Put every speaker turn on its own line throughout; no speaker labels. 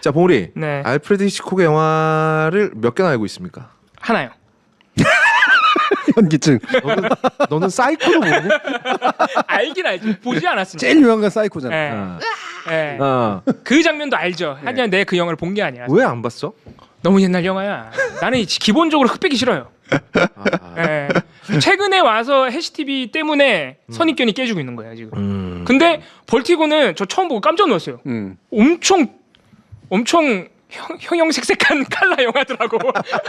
자, 봉우리.
네.
알프레드 히치콕의 영화를 몇 개나 알고 있습니까?
하나요.
현기증.
너는 사이코도 모르냐?
알긴 알지. 보지 않았습니다.
제일 유명한 건 사이코잖아.
예. 예.
그
그 장면도 알죠. 하지만 내 그 영화를 본 게 아니야.
왜 안 봤어?
너무 옛날 영화야. 나는 기본적으로 흑백이 싫어요. 예. 최근에 와서 해시TV 때문에 선입견이 깨지고 있는 거야 지금. 근데 벌티고는 저 처음 보고 깜짝 놀랐어요. 엄청 형형색색한 칼라 영화더라고.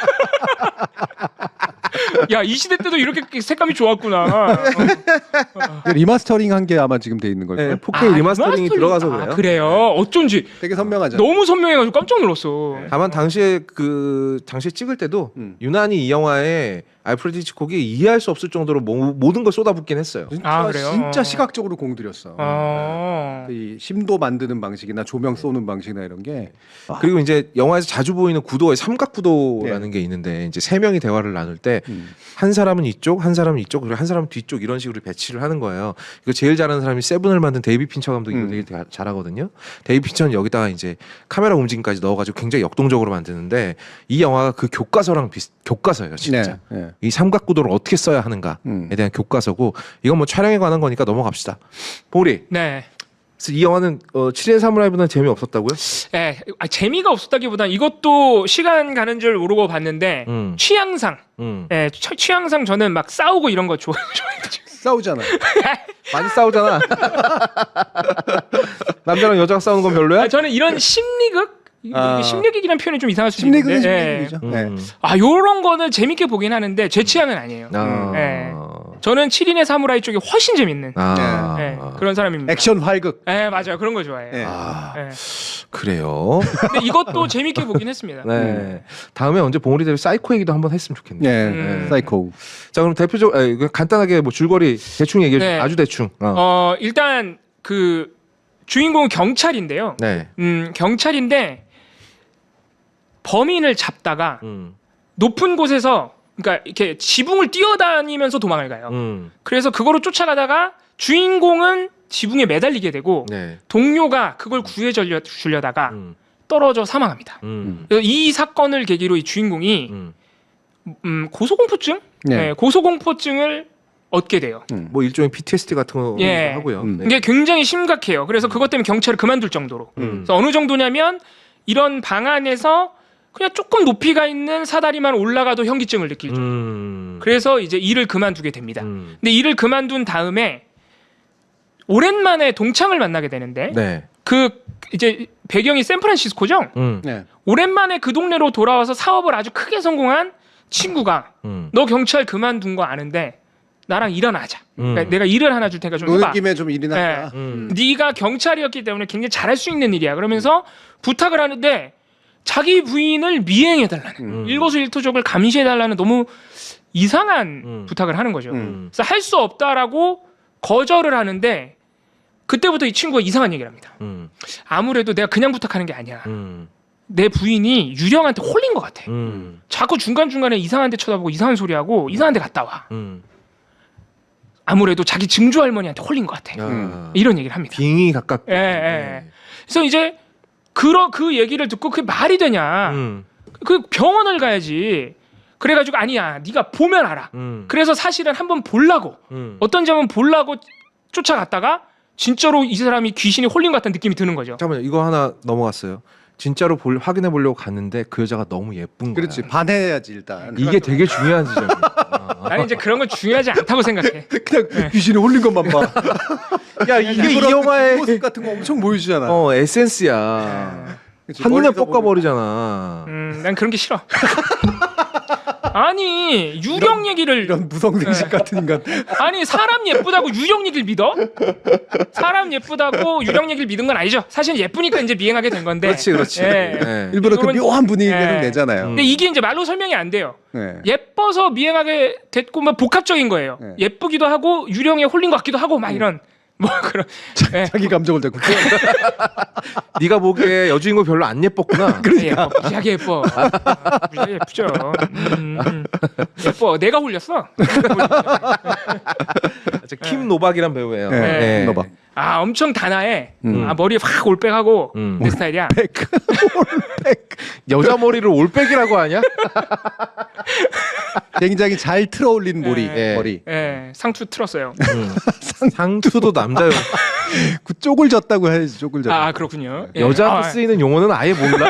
야, 이 시대 때도 이렇게 색감이 좋았구나.
리마스터링 한 게 아마 지금 돼 있는 걸까요?
네, 4K 리마스터링이 들어가서 그래요.
그래요? 어쩐지
되게 선명하죠.
너무 선명해가지고 깜짝 놀랐어.
다만 당시에 찍을 때도 유난히 이 영화에 알프레드 히치콕이 이해할 수 없을 정도로 모든 걸 쏟아붓긴 했어요.
진짜,
그래요?
진짜 시각적으로 공들였어.
어.
이 심도 만드는 방식이나 조명 쏘는 방식이나 이런 게
그리고 이제 영화에서 자주 보이는 구도가 삼각 구도라는 게 있는데 이제 세 명이 대화를 나눌 때 한 사람은 이쪽, 한 사람은 이쪽, 그리고 한 사람은 뒤쪽 이런 식으로 배치를 하는 거예요. 이거 제일 잘하는 사람이 세븐을 만든 데이비 핀처 감독이 이거 되게 잘하거든요. 데이비 핀처는 여기다가 이제 카메라 움직임까지 넣어가지고 굉장히 역동적으로 만드는데 이 영화가 그 교과서랑 교과서예요, 진짜.
네, 네.
이 삼각 구도를 어떻게 써야 하는가에 대한 교과서고 이건 뭐 촬영에 관한 거니까 넘어갑시다. 봉우리.
네.
그래서 이 영화는 7인 사무라이보다는 재미없었다고요?
예, 재미가 없었다기보단 이것도 시간 가는 줄 모르고 봤는데 취향상, 예, 취향상 저는 막 싸우고 이런 거 좋아해가지고.
싸우잖아.
많이 싸우잖아. 남자랑 여자가 싸우는 건 별로야?
저는 이런 심리극, 심리극이라는 표현이 좀 이상할 수
심리극은
있는데,
심리극이죠. 네.
요런 거는 재밌게 보긴 하는데 제 취향은 아니에요. 예. 저는 7인의 사무라이 쪽이 훨씬 재밌는 그런 사람입니다.
액션 활극.
네, 맞아요. 그런 거 좋아해요.
네.
네.
그래요.
근데 이것도 재밌게 보긴 했습니다.
네. 다음에 언제 봉우리대로 사이코 얘기도 한번 했으면 좋겠네요.
네. 사이코.
자, 그럼 대표적으로 간단하게 뭐 줄거리 대충 얘기해 주세요.
네.
아주 대충.
일단 그 주인공은 경찰인데요.
네.
경찰인데 범인을 잡다가 높은 곳에서 그러니까 이렇게 지붕을 뛰어다니면서 도망을 가요. 그래서 그거로 쫓아가다가 주인공은 지붕에 매달리게 되고
네.
동료가 그걸 구해주려다가 떨어져 사망합니다. 그래서 이 사건을 계기로 이 주인공이 고소공포증?
네.
고소공포증을 얻게 돼요.
뭐 일종의 PTSD 같은 거 하고요. 네.
이게 굉장히 심각해요. 그래서 그것 때문에 경찰을 그만둘 정도로. 그래서 어느 정도냐면 이런 방 안에서 그냥 조금 높이가 있는 사다리만 올라가도 현기증을 느낄 정도. 그래서 이제 일을 그만두게 됩니다. 근데 일을 그만둔 다음에 오랜만에 동창을 만나게 되는데
네.
그 이제 배경이 샌프란시스코죠.
네.
오랜만에 그 동네로 돌아와서 사업을 아주 크게 성공한 친구가 너 경찰 그만둔 거 아는데 나랑 일하나 하자. 그러니까 내가 일을 하나 줄 테니까 좀
노는
해봐.
김에 좀 일이나 하자.
네가 경찰이었기 때문에 굉장히 잘할 수 있는 일이야. 그러면서 부탁을 하는데 자기 부인을 미행해달라는 일거수일투족을 감시해달라는 너무 이상한 부탁을 하는 거죠. 그래서 할 수 없다라고 거절을 하는데 그때부터 이 친구가 이상한 얘기를 합니다. 아무래도 내가 그냥 부탁하는 게 아니야. 내 부인이 유령한테 홀린 것 같아. 자꾸 중간중간에 이상한 데 쳐다보고 이상한 소리하고 이상한 데 갔다 와. 아무래도 자기 증조 할머니한테 홀린 것 같아. 이런 얘기를 합니다.
빙이 가깝게.
예. 그래서 이제 그 얘기를 듣고 그게 말이 되냐? 그 병원을 가야지. 그래가지고 아니야, 네가 보면 알아. 그래서 사실은 한번 보려고 어떤지 한번 보려고 쫓아갔다가 진짜로 이 사람이 귀신이 홀린 것 같은 느낌이 드는 거죠.
잠깐만요. 이거 하나 넘어갔어요. 진짜로 확인해 보려고 갔는데 그 여자가 너무 예쁜 거야.
그렇지. 반해야지 일단.
이게 되게 중요한 지점이야.
나는 이제 그런 건 중요하지 않다고 생각해.
그냥 귀신이 홀린 것만 봐.
야, 이게 이 영화의
모습 같은 거 엄청 보여주잖아.
에센스야. 한눈에 뻑가버리잖아.
난 그런 게 싫어. 아니 유령 얘기를
이런 무성생식 같은 인간.
아니 사람 예쁘다고 유령 얘기를 믿어? 사람 예쁘다고 유령 얘기를 믿은 건 아니죠. 사실 예쁘니까 이제 미행하게 된 건데.
그렇지.
예.
일부러 그
이거는-
묘한 분위기를
예.
내잖아요.
근데 이게 이제 말로 설명이 안 돼요.
네.
예뻐서 미행하게 됐고 뭐 복합적인 거예요.
네.
예쁘기도 하고 유령에 홀린 것 같기도 하고 막 이런 뭐 그런. 예.
자기 감정을 대고.
네가 보기에 여주인공 별로 안 예뻤구나.
예뻐. 무지하게 예뻐. 무지하게 예쁘죠. 예뻐. 내가 홀렸어.
킴 노박이란 배우예요.
네. 노박.
아 엄청 단아해. 아 머리 확 올백하고 내 스타일이야.
여자 머리를 올백이라고 하냐?
굉장히 잘 틀어올린
네.
머리.
예, 상투 틀었어요.
상투도 남자용.
그 쪽을 졌다고 해야지 쪽을 졌.
아 그렇군요. 예.
여자한테 쓰이는 용어는 아예 몰라.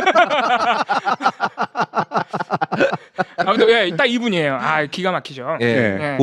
아무튼 예, 딱 이분이에요. 아 기가 막히죠.
예.
예.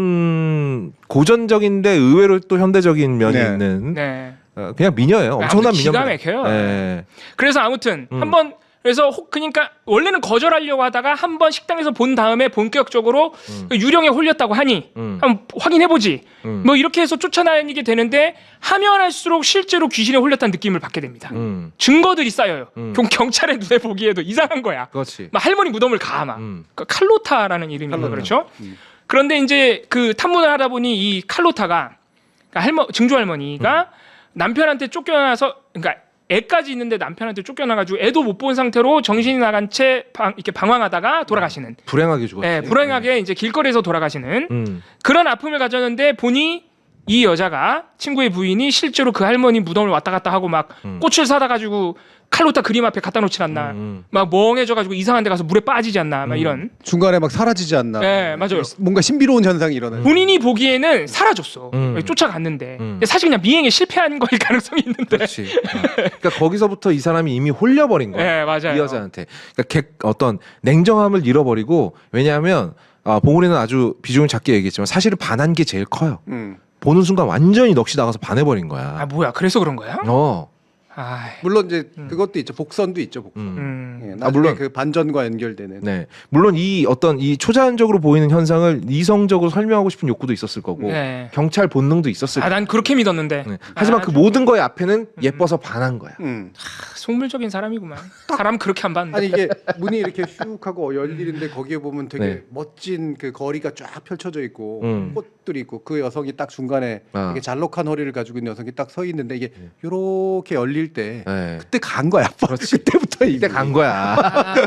고전적인데 의외로 또 현대적인 면이
네.
있는
네.
그냥 미녀예요. 엄청난 미녀.
기가 막혀요.
예.
그래서 아무튼 한번 그래서 그러니까 원래는 거절하려고 하다가 한번 식당에서 본 다음에 본격적으로 유령에 홀렸다고 하니 한번 확인해 보지. 뭐 이렇게 해서 쫓아다니게 되는데 하면 할수록 실제로 귀신에 홀렸다는 느낌을 받게 됩니다. 증거들이 쌓여요. 경찰의 눈에 보기에도 이상한 거야.
그렇지.
막 할머니 무덤을 가 막. 그 칼로타라는 이름이고 그렇죠. 그런데 이제 그 탐문을 하다 보니 이 칼로타가 그러니까 증조 할머니가 남편한테 쫓겨나서 그러니까 애까지 있는데 남편한테 쫓겨나가지고 애도 못 본 상태로 정신이 나간 채 이렇게 방황하다가 돌아가시는.
불행하게 죽었지.
예, 불행하게 이제 길거리에서 돌아가시는 그런 아픔을 가졌는데 보니 이 여자가 친구의 부인이 실제로 그 할머니 무덤을 왔다 갔다 하고 막 꽃을 사다 가지고 칼로타 그림 앞에 갖다 놓지 않나. 막 멍해져가지고 이상한 데 가서 물에 빠지지 않나. 막 이런.
중간에 막 사라지지 않나.
네, 맞아요.
뭔가 신비로운 현상이 일어나요.
본인이 보기에는 사라졌어. 쫓아갔는데 사실 그냥 미행에 실패한 거일 가능성이 있는데.
그렇지. 그러니까 거기서부터 이 사람이 이미 홀려버린 거야.
네, 맞아요.
이 여자한테. 그러니까 어떤 냉정함을 잃어버리고 왜냐하면 봉우리는 아주 비중을 작게 얘기했지만 사실은 반한 게 제일 커요. 보는 순간 완전히 넋이 나가서 반해버린 거야.
아 뭐야? 그래서 그런 거야? 아,
물론 이제 그것도 있죠. 복선도 있죠. 복선. 예, 나중에
물론
그 반전과 연결되는.
네. 물론 이 어떤 이 초자연적으로 보이는 현상을 이성적으로 설명하고 싶은 욕구도 있었을 거고
네.
경찰 본능도 있었을 거고.
난 그렇게 믿었는데.
네. 하지만 그 모든 거의 앞에는 예뻐서 반한 거야.
속물적인 사람이구만. 사람 그렇게 안 봤는데.
아니 이게 문이 이렇게 슉하고 열리는데 거기에 보면 되게
네.
멋진 그 거리가 쫙 펼쳐져 있고 꽃들이 있고 그 여성이 딱 중간에 이게 잘록한 허리를 가지고 있는 여성이 딱 서 있는데 이게 요렇게 열릴 때
네.
그때 간 거야.
그렇지.
그때부터
이때 간 거야.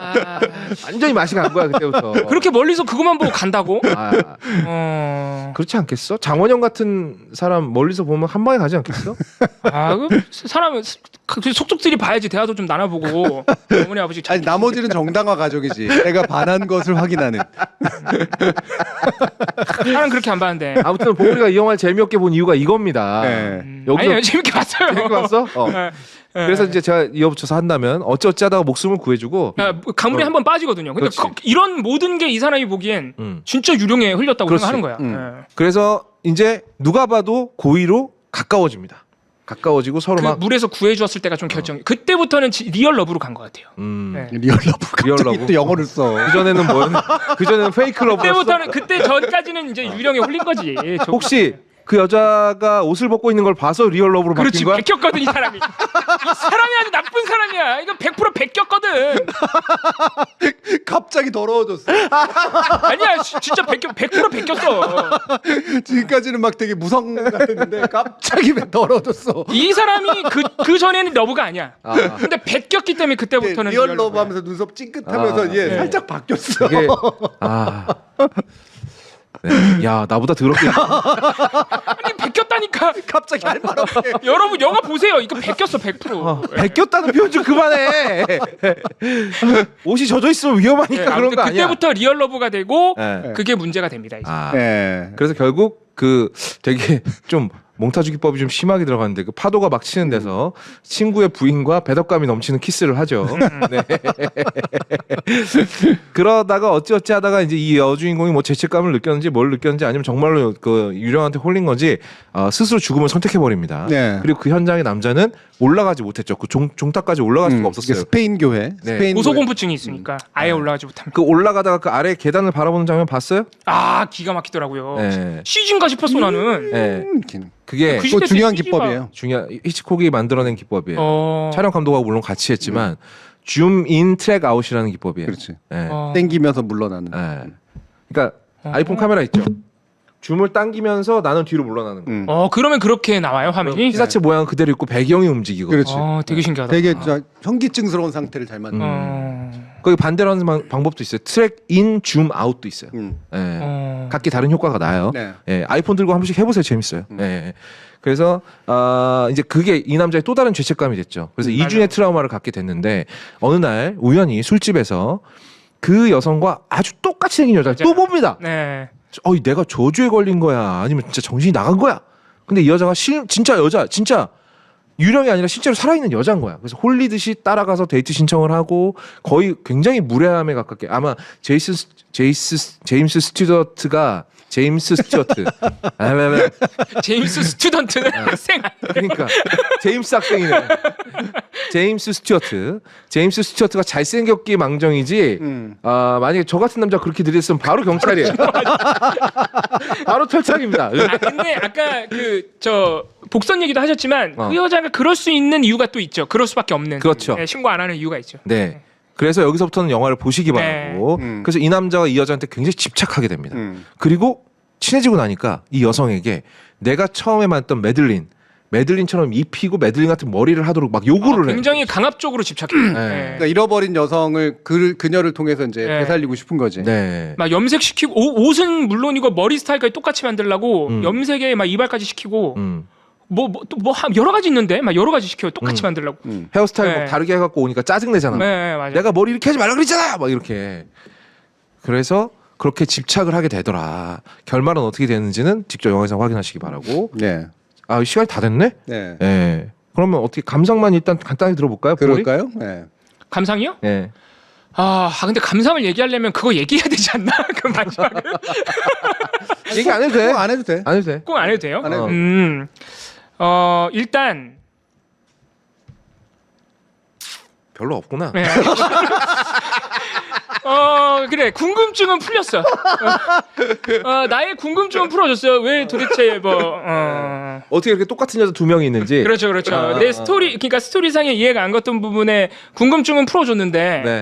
완전히 맛이 간 거야 그때부터.
그렇게 멀리서 그것만 보고 간다고?
그렇지 않겠어? 장원영 같은 사람 멀리서 보면 한 방에 가지 않겠어?
그 사람은 그 속속들이 봐야지 대화도 좀 나눠보고 어머니 아버지
아니 나머지는 정당화 가족이지. 내가 반한 것을 확인하는.
사람 그렇게 안 봤는데.
아무튼 봉우리가 이 영화를 재미없게 본 이유가 이겁니다.
네.
여기서
아니 재밌게 봤어요.
재밌게 봤어? 그래서 이제 제가 이어붙여서 한다면 어찌어찌 하다가 목숨을 구해주고
강물에 한번 빠지거든요. 근데 이런 모든 게 이 사람이 보기엔 진짜 유령에 흘렸다고
그렇지.
생각하는 거야.
그래서 이제 누가 봐도 고의로 가까워집니다. 가까워지고 서로
그
막
물에서 구해주었을 때가 좀 결정. 그때부터는 리얼 러브로 간 것 같아요. 네.
리얼 러브.
리얼
갑자기
러브.
또 영어를 써.
그 전에는 뭐였나? 그 전에는 페이크 러브였어.
그때부터는 그때 전까지는 이제 유령에 홀린 거지.
혹시 그 여자가 옷을 벗고 있는 걸 봐서 리얼 러브로
그렇지
바뀐 거야?
베꼈거든 이 사람이. 이 사람이 아주 나쁜 사람이야. 이거 100% 베꼈거든.
갑자기 더러워졌어.
아니야 진짜 100% 베꼈어.
지금까지는 막 되게 무성 같았는데 갑자기 더러워졌어.
이 사람이 그 전에는 러브가 아니야. 근데 베꼈기 때문에 그때부터는
리얼 러브 하면서 눈썹 찡긋하면서 얘 살짝 바뀌었어.
이게 네. 야 나보다 더럽게
아니 베꼈다니까.
갑자기 할 말 없게.
여러분 영화 보세요. 이거 베꼈어 100%.
베꼈다는 표현 좀 그만해. 옷이 젖어 있으면 위험하니까 그런 거 아니야.
그때부터 리얼 러브가 되고
네.
그게 문제가 됩니다. 이제.
네.
그래서 결국 그 되게 좀 몽타주 기법이 좀 심하게 들어갔는데 그 파도가 막 치는 데서 친구의 부인과 배덕감이 넘치는 키스를 하죠. 네. 그러다가 어찌어찌 하다가 이제 이 여주인공이 뭐 죄책감을 느꼈는지 뭘 느꼈는지 아니면 정말로 그 유령한테 홀린 건지 스스로 죽음을 선택해 버립니다.
네.
그리고 그 현장에 남자는 올라가지 못했죠. 그 종탑까지 올라갈 수가 없었어요.
스페인 교회.
네.
스페인
고소공포증이 있으니까 아예 올라가지 못합니다.
그 올라가다가 그 아래 계단을 바라보는 장면 봤어요?
기가 막히더라고요.
네.
CG인가 싶었어 나는.
네.
교회.
그게
그 시대
중요한
CG가
기법이에요.
히치콕이 만들어낸 기법이에요. 촬영 감독하고 물론 같이 했지만 줌인 트랙 아웃이라는 기법이에요.
그렇지.
네.
땡기면서 물러나는.
네. 그러니까 아이폰 카메라 있죠. 줌을 당기면서 나는 뒤로 물러나는 거.
그러면 그렇게 나와요 화면이?
피사체 모양 그대로 있고 배경이 움직이고.
그렇지.
되게 신기하다.
되게 현기증스러운 상태를 잘 만든.
거기 반대로 하는 방법도 있어요. 트랙 인, 줌 아웃도 있어요. 예. 각기 다른 효과가 나요.
네.
예, 아이폰 들고 한 번씩 해보세요. 재밌어요. 예. 그래서 이제 그게 이 남자의 또 다른 죄책감이 됐죠. 그래서 이중의 트라우마를 갖게 됐는데 어느 날 우연히 술집에서 그 여성과 아주 똑같이 생긴 여자를 또 봅니다.
네.
내가 저주에 걸린 거야? 아니면 진짜 정신이 나간 거야? 근데 이 여자가 진짜 여자, 진짜 유령이 아니라 실제로 살아있는 여자인 거야. 그래서 홀리듯이 따라가서 데이트 신청을 하고 거의 굉장히 무례함에 가깝게 아마 제임스 스튜어트가 제임스 스튜어트.
제임스 스튜던트는 학생 아니야.
그러니까 제임스 학생이네. 제임스 스튜어트가 잘생겼기 망정이지. 만약에 저 같은 남자 그렇게 들이댔으면 바로 경찰이에요. 바로 탈착입니다.
근데 아까 저 복선 얘기도 하셨지만 그 여자가 그럴 수 있는 이유가 또 있죠. 그럴 수밖에 없는.
그렇죠.
네, 신고 안 하는 이유가 있죠.
네. 그래서 여기서부터는 영화를 보시기 바라고. 그래서 이 남자가 이 여자한테 굉장히 집착하게 됩니다. 그리고 친해지고 나니까 이 여성에게 내가 처음에 만났던 메들린처럼 입히고 메들린 같은 머리를 하도록 막 요구를 해.
굉장히 강압적으로 집착해요.
네.
그러니까 잃어버린 여성을 그녀를 통해서 이제 되살리고 싶은 거지.
네.
막 염색시키고 옷은 물론이고 머리 스타일까지 똑같이 만들라고 염색에 막 이발까지 시키고 뭐 여러 가지 있는데 막 여러 가지 시켜요. 똑같이 만들라고.
헤어스타일
네.
막 다르게 해갖고 오니까 짜증내잖아.
네, 맞아요.
내가 머리 이렇게 하지 말라 그랬잖아. 막 이렇게. 그래서 그렇게 집착을 하게 되더라. 결말은 어떻게 되는지는 직접 영화에서 확인하시기 바라고.
네.
시간이 다 됐네.
네.
네. 그러면 어떻게 감상만 일단 간단히 들어볼까요?
그럴까요? 네.
감상이요?
네.
근데 감상을 얘기하려면 그거 얘기해야 되지 않나? 그 마지막에
얘기 안 해도 돼.
안 해도 돼.
안 해도 돼.
꼭 안 해도 돼요?
안 해도 돼.
일단
별로 없구나.
네. 그래 궁금증은 풀렸어. 나의 궁금증은 풀어줬어요. 왜 도대체
어떻게 이렇게 똑같은 여자 두 명이 있는지.
그렇죠. 내 스토리 그러니까 스토리상에 이해가 안 갔던 부분에 궁금증은 풀어줬는데.
네.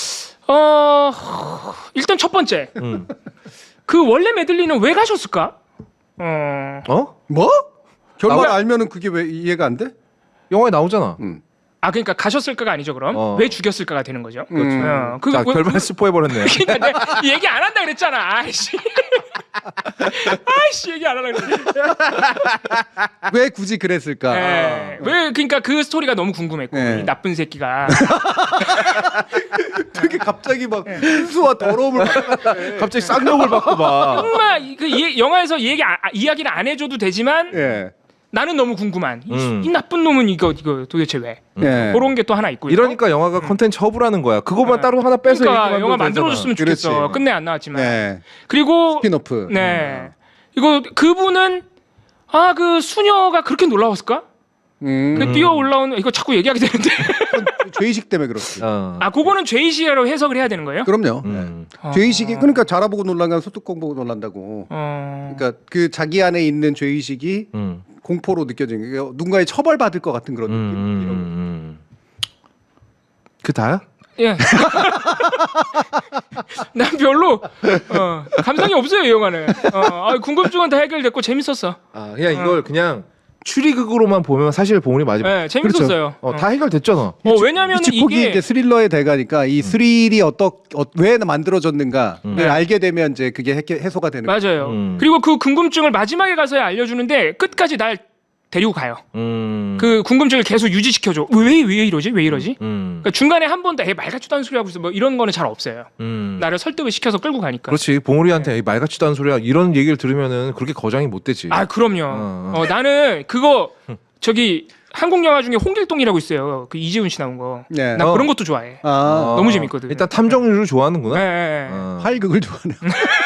일단 첫 번째 그 원래 메들리는 왜 가셨을까?
뭐? 결말 알면은 그게 왜 이해가 안 돼?
영화에 나오잖아.
그러니까 가셨을까가 아니죠 그럼 왜 죽였을까가 되는 거죠.
그렇죠. 자, 결말 스포해버렸네요.
그러니까 내가 얘기 안 한다 그랬잖아. 아이씨 얘기 안 하려고 그랬지.
왜 굳이 그랬을까?
왜 그러니까 그 스토리가 너무 궁금했고
네.
이 나쁜 새끼가
되게 갑자기 막 순수와 더러움을
갑자기 쌍욕을 받고 봐.
정말 영화에서 이야기를 안 해줘도 되지만
예.
나는 너무 궁금한 이 나쁜 놈은 이거 도대체 왜
예.
그런 게 또 하나 있고
이러니까 영화가 컨텐츠 허브라는 거야. 그거만 따로 하나 빼서
그러니까
얘기만
영화
해도
만들어줬으면 좋겠어.
그렇지.
끝내 안 나왔지만
네.
그리고
스피노프.
네 이거 그분은 그 수녀가 그렇게 놀라웠을까? 그 뛰어 올라오는 이거 자꾸 얘기하게 되는데
죄의식 때문에 그렇지.
그거는 죄의식으로 해석을 해야 되는 거예요?
그럼요. 죄의식이 그러니까 잘 알아보고 놀란 건 소뚜껑 보고 놀란다고. 그러니까 그 자기 안에 있는 죄의식이 공포로 느껴지는 게 누군가의 처벌받을 것 같은 그런 느낌.
그 다야?
예. 난 별로 감상이 없어요 이 영화는. 궁금증은 다 해결됐고 재밌었어.
그냥 이걸 그냥 추리극으로만 보면 사실 봉우리 맞으면
네, 재밌었어요.
다 해결됐잖아.
왜냐면
히치콕이
이게
이제 스릴러의 대가니까 이 스릴이 왜 만들어졌는가를 알게 되면 이제 그게 해소가 되는 거예요.
맞아요. 그리고 그 궁금증을 마지막에 가서야 알려주는데 끝까지 날 데리고 가요. 그 궁금증을 계속 유지시켜줘. 왜 이러지? 그러니까 중간에 한 번도 말 같지도 않은 소리 하고 있어. 뭐 이런 거는 잘 없어요. 나를 설득을 시켜서 끌고 가니까.
그렇지. 봉우리한테 말 같지도 않은 소리야 이런 얘기를 들으면은 그렇게 거장이 못 되지.
그럼요. 나는 그거 한국 영화 중에 홍길동이라고 있어요. 그 이재훈 씨 나온 거.
네.
나 그런 것도 좋아해. 너무 재밌거든.
일단 탐정류를 좋아하는구나.
네.
활극을 좋아하네요.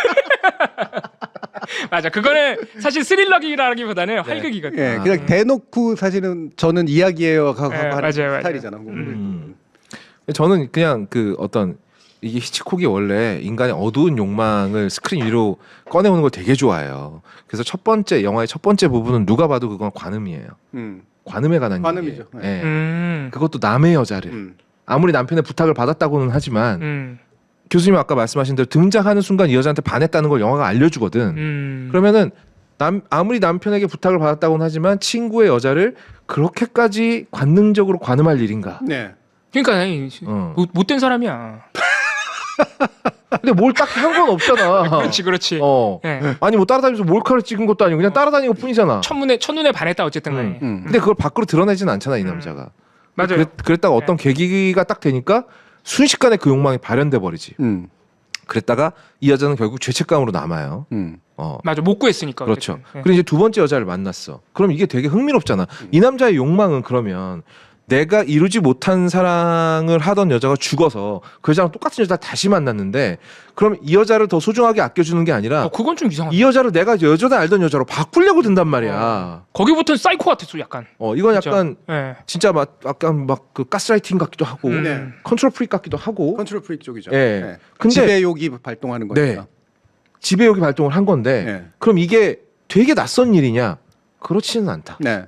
맞아. 그거는 사실 스릴러기라기보다는 활극이거든.
예, 그냥 대놓고 사실은 저는 이야기예요 하고 하는
맞아요.
스타일이잖아.
저는 그냥 그 어떤 이게 히치콕이 원래 인간의 어두운 욕망을 스크린 위로 꺼내오는 걸 되게 좋아해요. 그래서 영화의 첫 번째 부분은 누가 봐도 그건 관음이에요. 관음에 관한
관음이죠.
얘기예요. 예. 그것도 남의 여자를 아무리 남편의 부탁을 받았다고는 하지만 교수님 아까 말씀하신 대로 등장하는 순간 이 여자한테 반했다는 걸 영화가 알려주거든. 그러면은 아무리 남편에게 부탁을 받았다고는 하지만 친구의 여자를 그렇게까지 관능적으로 관음할 일인가?
네.
그러니까 못된 사람이야.
근데 뭘 딱히 한 건 없잖아.
그렇지. 네.
아니 뭐 따라다니면서 몰카를 찍은 것도 아니고 그냥 따라다니는 것 뿐이잖아.
첫눈에 반했다 어쨌든 간에.
근데 그걸 밖으로 드러내진 않잖아 이 남자가.
맞아요.
그랬다가 어떤 계기가 딱 되니까 순식간에 그 욕망이 발현돼 버리지. 그랬다가 이 여자는 결국 죄책감으로 남아요.
맞아, 못 구했으니까.
그렇죠.
어쨌든.
그리고 이제 두 번째 여자를 만났어. 그럼 이게 되게 흥미롭잖아. 이 남자의 욕망은 그러면 내가 이루지 못한 사랑을 하던 여자가 죽어서 그 여자랑 똑같은 여자 다시 만났는데 그럼 이 여자를 더 소중하게 아껴주는 게 아니라
그건 좀 이상하다.
이 여자를 내가 여전히 알던 여자로 바꾸려고 든단 말이야.
거기부터는 사이코 같았어 약간.
이건 약간
네.
진짜 약간 막 그 가스라이팅 같기도 하고 컨트롤 프릭 같기도 하고.
컨트롤 프릭 쪽이죠.
예.
네.
근데
지배욕이 발동하는 거니까.
네. 지배욕이 발동을 한 건데
네.
그럼 이게 되게 낯선 일이냐? 그렇지는 않다.
네.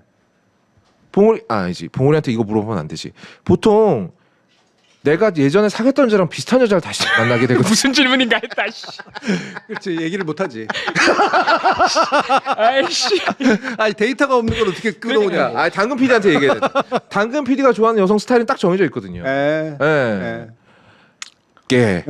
봉우리한테 이거 물어보면 안 되지. 보통 내가 예전에 사귀었던 여자랑 비슷한 여자를 다시 만나게 되거든.
무슨 질문인가 했다. 씨.
그렇지 얘기를 못 하지.
아이씨.
아니 데이터가 없는 걸 어떻게 끌어오냐.
당근 PD한테 얘기해. 당근 PD가 좋아하는 여성 스타일은 딱 정해져 있거든요.
예.
예. 깨.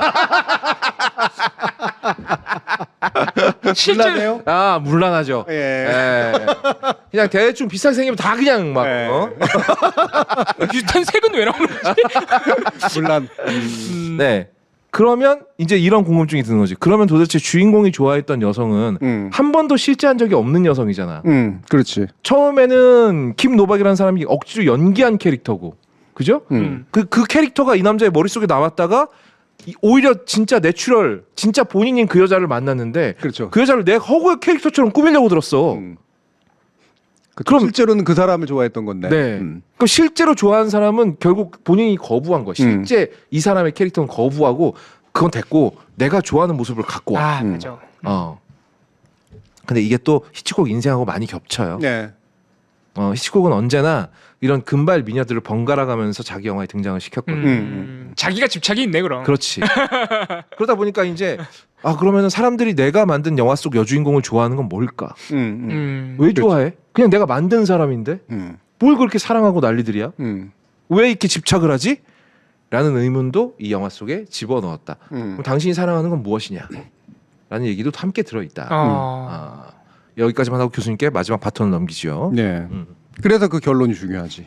실례네요.
물란하죠.
예.
그냥 대충 비슷하게 생기면 다 그냥 막.
예.
비슷한 색은 왜 나오는 거지?
물란.
네. 그러면 이제 이런 궁금증이 드는 거지. 그러면 도대체 주인공이 좋아했던 여성은 한 번도 실제한 적이 없는 여성이잖아.
그렇지.
처음에는 김 노박이라는 사람이 억지로 연기한 캐릭터고, 그죠? 그 캐릭터가 이 남자의 머릿속에 남았다가 오히려 진짜 내추럴, 진짜 본인인 그 여자를 만났는데,
그렇죠.
그 여자를 내 허구의 캐릭터처럼 꾸미려고 들었어.
그럼 실제로는 그 사람을 좋아했던 건데.
네. 그럼 실제로 좋아하는 사람은 결국 본인이 거부한 거야. 실제 이 사람의 캐릭터는 거부하고 그건 됐고 내가 좋아하는 모습을 갖고 와.
맞아.
근데 이게 또 히치콕 인생하고 많이 겹쳐요.
네.
히치콕은 언제나 이런 금발 미녀들을 번갈아 가면서 자기 영화에 등장을 시켰거든.
자기가 집착이 있네 그럼.
그렇지. 그러다 보니까 이제 그러면은 사람들이 내가 만든 영화 속 여주인공을 좋아하는 건 뭘까? 왜 좋아해? 그냥 내가 만든 사람인데 뭘 그렇게 사랑하고 난리들이야? 왜 이렇게 집착을 하지? 라는 의문도 이 영화 속에 집어넣었다. 그럼 당신이 사랑하는 건 무엇이냐? 라는 얘기도 함께 들어있다. 여기까지만 하고 교수님께 마지막 바톤을 넘기죠.
네. 그래서 그 결론이 중요하지.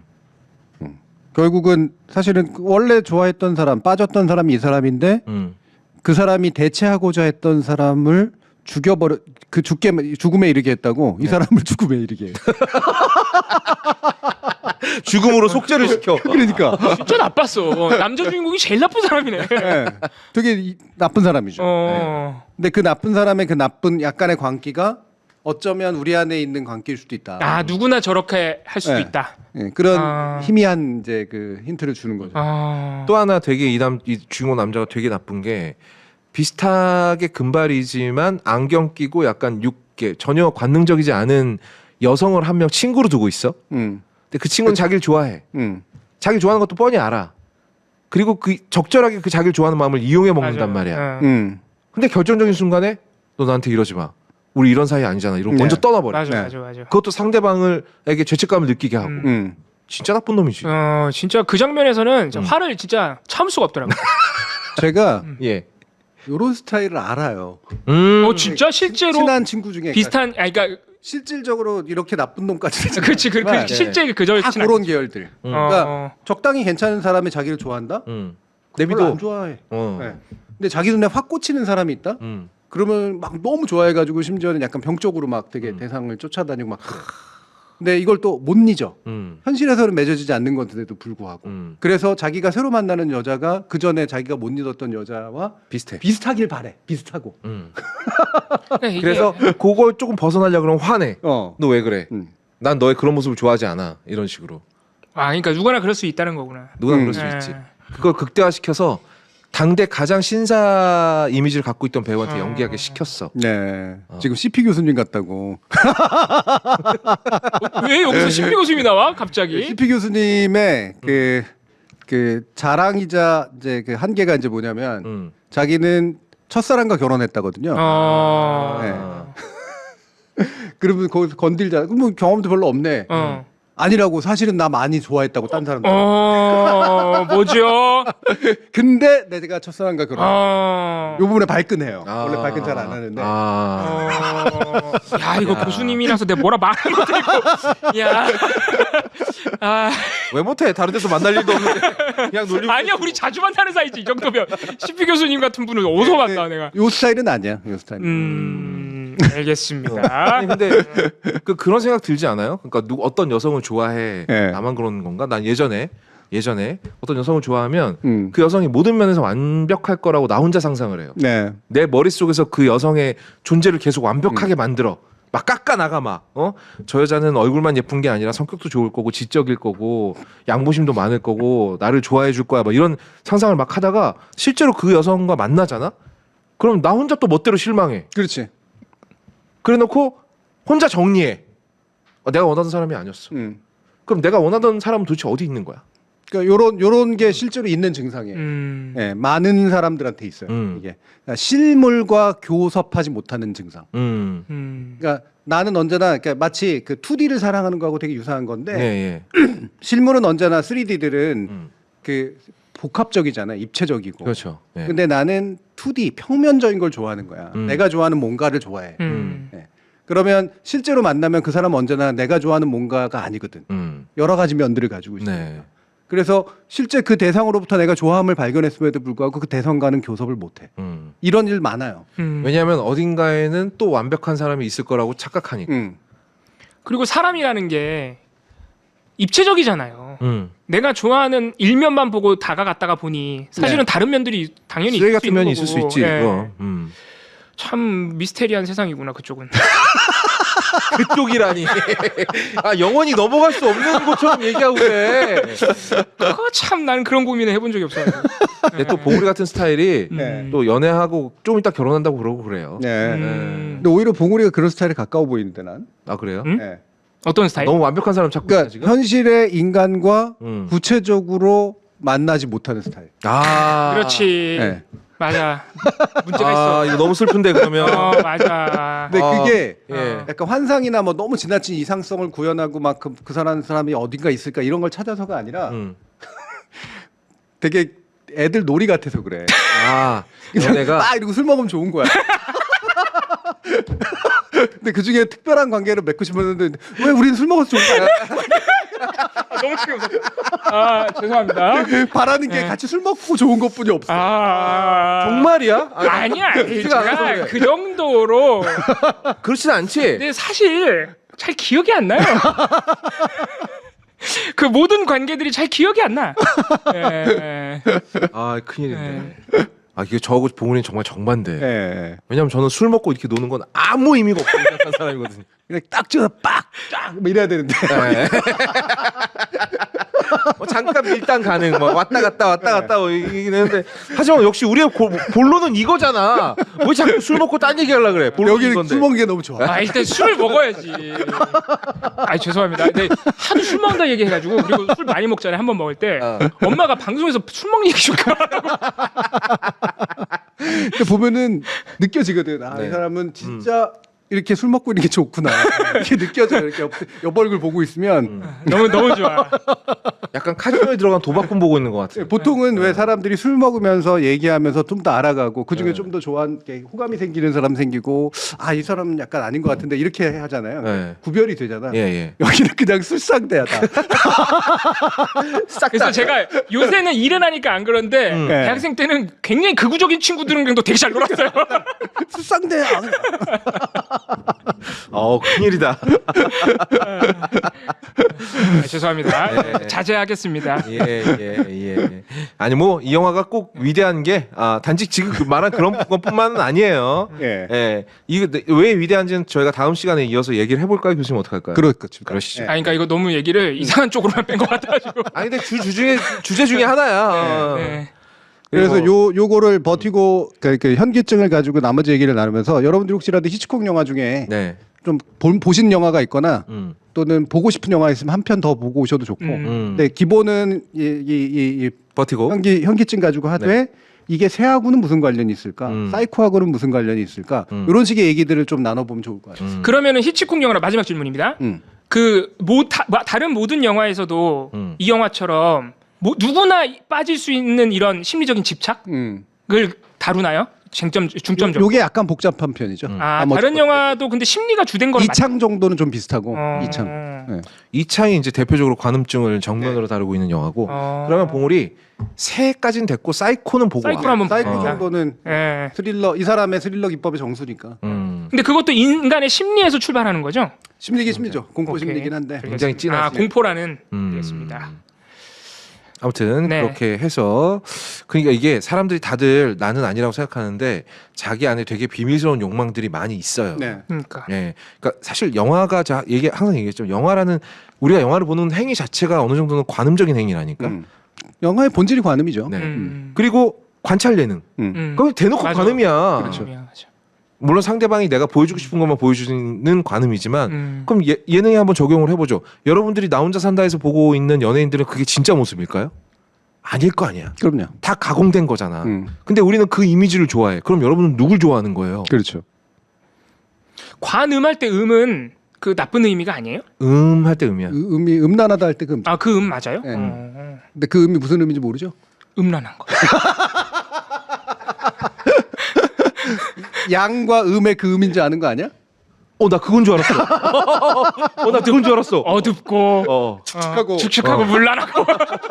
결국은 사실은 원래 좋아했던 사람, 빠졌던 사람이 이 사람인데 그 사람이 대체하고자 했던 사람을 죽여버려 죽음에 이르게 했다고. 이 사람을 죽음에 이르게.
죽음으로 속죄를 시켜.
그러니까
진짜 나빴어. 남자 주인공이 제일 나쁜 사람이네.
네. 되게 나쁜 사람이죠. 네. 근데 그 나쁜 사람의 그 나쁜 약간의 광기가 어쩌면 우리 안에 있는 광기일 수도 있다.
누구나 저렇게 할 수도
네.
있다.
네. 그런 희미한 이제 그 힌트를 주는 거죠.
또 하나 되게 이 주인공 남자가 되게 나쁜 게 비슷하게 금발이지만 안경 끼고 약간 전혀 관능적이지 않은 여성을 한 명 친구로 두고 있어. 근데 그 친구는 자기를 좋아해. 자기를 좋아하는 것도 뻔히 알아. 그리고 그 적절하게 그 자기를 좋아하는 마음을 이용해 먹는단 말이야. 근데 결정적인 순간에 너 나한테 이러지 마. 우리 이런 사이 아니잖아. 이러고 먼저 떠나버려.
맞아.
그것도 상대방에게 죄책감을 느끼게 하고. 진짜 나쁜 놈이지.
진짜 그 장면에서는 화를 진짜 참을 수가 없더라고.
제가
예.
요런 스타일을 알아요.
진짜 실제로
친한 친구 중에
비슷한 그러니까
실질적으로 이렇게 나쁜 놈까지.
그렇지. 실제 그저
다 그런 계열들. 그러니까 적당히 괜찮은 사람이 자기를 좋아한다? 별로 안 좋아해. 네. 근데 자기 눈에 확 꽂히는 사람이 있다? 그러면 막 너무 좋아해가지고 심지어는 약간 병적으로 막 되게 대상을 쫓아다니고 막. 근데 이걸 또 못 잊어. 현실에서는 맺어지지 않는 건데도 불구하고. 그래서 자기가 새로 만나는 여자가 그 전에 자기가 못 잊었던 여자와 비슷하길 바래. 비슷하고.
그래서 그걸 조금 벗어나려고 그러면 화내. 너 왜 그래? 난 너의 그런 모습을 좋아하지 않아. 이런 식으로.
그러니까 누구나 그럴 수 있다는 거구나.
누구나 그럴 수 있지. 그걸 극대화시켜서 당대 가장 신사 이미지를 갖고 있던 배우한테 연기하게 시켰어.
네. 지금 CP 교수님 같다고.
왜 여기서 CP 교수님이 나와? 갑자기?
CP 교수님의 그 자랑이자 이제 그 한계가 이제 뭐냐면 자기는 첫사랑과 결혼했다거든요. 네. 그러면 거기서 건들잖아. 그럼 뭐 경험도 별로 없네. 아니라고 사실은 나 많이 좋아했다고 딴 사람들.
뭐죠?
근데 내가 첫사랑과 결혼. 요 부분에 발끈해요.
아.
원래 발끈 잘 안 하는데.
야 이거 교수님이라서 내가 뭐라 말하는 것도 있고. 야.
왜 못해? 다른 데서 만날 일도 없는데 그냥 놀리고.
아니야 우리 자주 만나는 사이지 이 정도면. CP 교수님 같은 분을 어디서 만나 내가.
요 스타일은 아니야. 요 스타일.
알겠습니다.
아니 근데 그런 생각 들지 않아요? 그러니까 어떤 여성을 좋아해
네.
나만 그런 건가? 난 예전에 어떤 여성을 좋아하면
음.
그 여성이 모든 면에서 완벽할 거라고 나 혼자 상상을 해요.
네.
내 머릿속에서 그 여성의 존재를 계속 완벽하게 만들어. 막 깎아 나가 막. 저 여자는 얼굴만 예쁜 게 아니라 성격도 좋을 거고 지적일 거고 양보심도 많을 거고 나를 좋아해 줄 거야. 막 이런 상상을 막 하다가 실제로 그 여성과 만나잖아. 그럼 나 혼자 또 멋대로 실망해.
그렇지.
그래 놓고 혼자 정리해. 내가 원하던 사람이 아니었어. 그럼 내가 원하던 사람은 도대체 어디 있는 거야?
그러니까 요런 게 실제로 있는 증상이에요. 예, 많은 사람들한테 있어요. 이게 그러니까 실물과 교섭하지 못하는 증상. 그러니까 나는 언제나 그러니까 마치 그 2D를 사랑하는 거하고 되게 유사한 건데
예.
실물은 언제나 3D들은 그 복합적이잖아요. 입체적이고.
그렇죠. 예.
근데 나는 2D 평면적인 걸 좋아하는 거야. 내가 좋아하는 뭔가를 좋아해. 예. 그러면 실제로 만나면 그 사람은 언제나 내가 좋아하는 뭔가가 아니거든. 여러 가지 면들을 가지고 있어요.
네.
그래서 실제 그 대상으로부터 내가 좋아함을 발견했음에도 불구하고 그 대상과는 교섭을 못해. 이런 일 많아요.
왜냐하면 어딘가에는 또 완벽한 사람이 있을 거라고 착각하니까.
그리고 사람이라는 게 입체적이잖아요. 내가 좋아하는 일면만 보고 다가갔다가 보니 사실은 다른 면들이 당연히
쓰레기
있을 수
같은
있는
면이
거고.
있을 수 있지.
예.
그거.
참 미스테리한 세상이구나 그쪽은.
그쪽이라니. 영원히 넘어갈 수 없는 것처럼 얘기하고 그래.
그거 참 나는 그런 고민을 해본 적이 없어요.
근데 또 봉우리 같은 스타일이
네.
또 연애하고 좀 이따 결혼한다고 그러고 그래요.
네. 근데 오히려 봉우리가 그런 스타일에 가까워 보이는데 난.
아 그래요?
네.
어떤 스타일?
너무 완벽한 사람 찾고 있다
그러니까
지금.
현실의 인간과
음.
구체적으로 만나지 못하는 스타일.
그렇지.
네.
맞아. 문제가 있어.
이거 너무 슬픈데 그러면.
맞아.
근데 그게
예.
약간 환상이나 뭐 너무 지나친 이상성을 구현하고 막 그 사람이 어딘가 있을까 이런 걸 찾아서가 아니라 되게 애들 놀이 같아서 그래.
그냥 연애가
딱 이러고 술 먹으면 좋은 거야. 근데 그 중에 특별한 관계를 맺고 싶었는데 왜 우리는 술 먹어서 좋은 거야?
너무 크게 웃었어. 죄송합니다.
바라는 게 같이 술 먹고 좋은 것뿐이 없어.
정말이야?
아니야.
그렇지가 않아서
제가
그래.
그 정도로.
그렇진 않지.
근데 사실 잘 기억이 안 나요. 그 모든 관계들이 잘 기억이 안 나. 예.
큰일인데. 이게 저하고 봉훈이는 정말 정반대.
예.
왜냐면 저는 술 먹고 이렇게 노는 건 아무 의미가 없다고 생각하는 사람이거든요.
그냥 딱 찍어서 빡쫙 이래야 되는데.
잠깐 밀당 가능. 왔다 갔다 이긴 했는데 하지만 역시 우리의 본론은 이거잖아. 왜 자꾸 술 먹고 딴 얘기하려 그래? 본론은
여기는
이건데.
술 먹는 게 너무 좋아.
일단 술을 먹어야지. 죄송합니다. 근데 하도 술 먹는다 얘기해가지고 그리고 술 많이 먹잖아요. 한 번 먹을 때 엄마가 방송에서 술 먹는 얘기 좀 그만하라고.
근데 보면은 느껴지거든.
네.
이 사람은 진짜 이렇게 술 먹고 있는 게 좋구나. 이렇게 느껴져. 이렇게 옆 얼굴 보고 있으면
너무 좋아.
약간 카지노에 들어간 도박꾼 보고 있는 것 같아요.
보통은 왜 사람들이 술 먹으면서 얘기하면서 좀 더 알아가고 그 중에 좀 더 좋아하는 게 호감이 생기는 사람 생기고 이 사람은 약간 아닌 것 같은데 이렇게 하잖아요.
네.
구별이 되잖아.
예.
여기는 그냥 술상대야 다.
그래서 제가 요새는 일을 하니까 안 그런데 대학생 때는 굉장히 극우적인 친구들은 되게 잘 놀았어요.
술상대야.
큰일이다.
죄송합니다. 자제하겠습니다.
예. 아니 이 영화가 꼭 위대한 게 단지 지금 말한 그런 것뿐만은 아니에요.
예.
이거 왜 위대한지는 저희가 다음 시간에 이어서 얘기를 해볼까요, 교수님 어떡할까요?
그러시죠.
예.
그러니까 이거 너무 얘기를 이상한 쪽으로만 뺀 것 같아가지고.
근데 주제 중에 하나야.
네.
그래서 요거를 버티고 그 현기증을 가지고 나머지 얘기를 나누면서 여러분들 혹시라도 히치콕 영화 중에
네.
좀 보신 영화가 있거나
또는
보고 싶은 영화 있으면 한 편 더 보고 오셔도 좋고. 근데 기본은 이
버티고
현기증 가지고 하되 이게 새하고는 무슨 관련이 있을까? 사이코하고는 무슨 관련이 있을까? 이런 식의 얘기들을 좀 나눠보면 좋을 것 같아요.
그러면은 히치콕 영화라 마지막 질문입니다. 다른 모든 영화에서도 이 영화처럼 누구나 빠질 수 있는 이런 심리적인 집착을 다루나요? 중점적으로.
요게 약간 복잡한 편이죠.
다른 영화도 근데 심리가 주된 거는
이창 정도는 좀 비슷하고 이창. 네.
이창이 이제 대표적으로 관음증을 정면으로 다루고 있는 영화고 그러면 봉우리 새까지는 됐고 사이코는 보고
사이코를
와.
한번
사이코 정도는
예.
스릴러 이 사람의 스릴러 기법의 정수니까.
근데 그것도 인간의 심리에서 출발하는 거죠?
심리긴 심리죠. 공포
오케이.
심리긴 한데.
굉장히 진하지.
공포라는 알겠습니다.
아무튼
네.
그렇게 해서 그러니까 이게 사람들이 다들 나는 아니라고 생각하는데 자기 안에 되게 비밀스러운 욕망들이 많이 있어요.
네.
그러니까.
예, 그러니까 사실 영화가 항상 얘기했죠. 영화라는 우리가 영화를 보는 행위 자체가 어느 정도는 관음적인 행위라니까.
영화의 본질이 관음이죠.
네. 그리고 관찰 예능. 그럼 대놓고
맞아.
관음이야.
그렇죠. 맞아.
물론 상대방이 내가 보여주고 싶은 것만 보여주는 관음이지만 그럼 예능에 한번 적용을 해보죠. 여러분들이 나 혼자 산다에서 보고 있는 연예인들은 그게 진짜 모습일까요? 아닐 거 아니야.
그럼요.
다 가공된 거잖아. 근데 우리는 그 이미지를 좋아해. 그럼 여러분은 누굴 좋아하는 거예요?
그렇죠.
관음할 때 음은 그 나쁜 의미가 아니에요?
할 때 음이야.
음이 음란하다 할 때 그 음.
그 맞아요?
네. 근데 그 음이 무슨 음인지 모르죠?
음란한 거.
양과 음의 그 음인지 아는 거 아니야?
나 그건 줄 알았어. 나 그건 줄 알았어.
어둡고 축축하고 물란하고.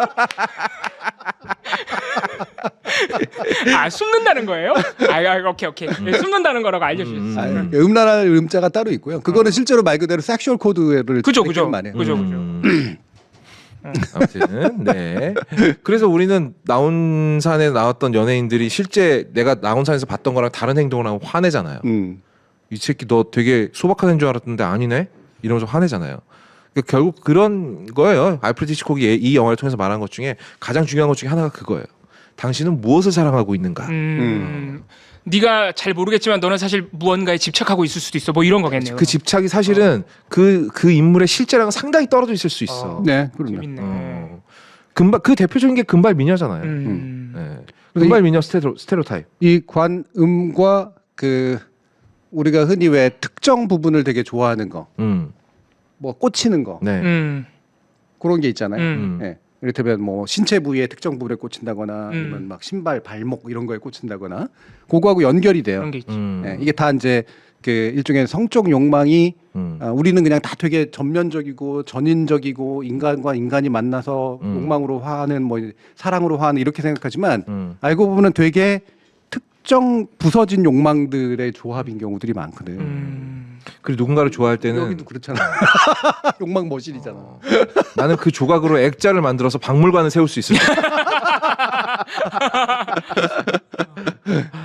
숨는다는 거예요? 오케이. 네, 숨는다는 거라고 알려주셨어요.
음란할 음자가 따로 있고요. 그거는 실제로 말 그대로 섹슈얼 코드를
그죠.
말해요.
아무튼 네. 그래서 우리는 나온산에 나왔던 연예인들이 실제 내가 나온산에서 봤던 거랑 다른 행동을 하면 화내잖아요. 이 새끼 너 되게 소박한 애인 줄 알았는데 아니네? 이러면서 화내잖아요. 그러니까 결국 그런 거예요. 알프레드 히치콕이 이 영화를 통해서 말한 것 중에 가장 중요한 것 중에 하나가 그거예요. 당신은 무엇을 사랑하고 있는가?
네가 잘 모르겠지만 너는 사실 무언가에 집착하고 있을 수도 있어. 뭐 이런 거겠네요.
그 집착이 사실은 그 인물의 실제랑은 상당히 떨어져 있을 수 있어.
네, 그럼요.
재밌네.
그 대표적인 게 금발 미녀잖아요. 네. 금발 미녀 스테레오타입.
이 관음과 그 우리가 흔히 왜 특정 부분을 되게 좋아하는 거, 뭐 꽂히는 거,
네.
그런 게 있잖아요.
음.
네. 이를테면 뭐 신체 부위의 특정 부분에 꽂힌다거나 아니면 막 신발, 발목 이런 거에 꽂힌다거나 그거하고 연결이 돼요.
그런 게 있지.
네. 이게 다 이제 그 일종의 성적 욕망이 우리는 그냥 다 되게 전면적이고 전인적이고 인간과 인간이 만나서 욕망으로 화하는 뭐 사랑으로 화하는 이렇게 생각하지만 알고 보면 되게 특정 부서진 욕망들의 조합인 경우들이 많거든.
그리고 누군가를 좋아할 때는
여기도 그렇잖아. 욕망 머신이잖아.
나는 그 조각으로 액자를 만들어서 박물관을 세울 수 있을 것 같아.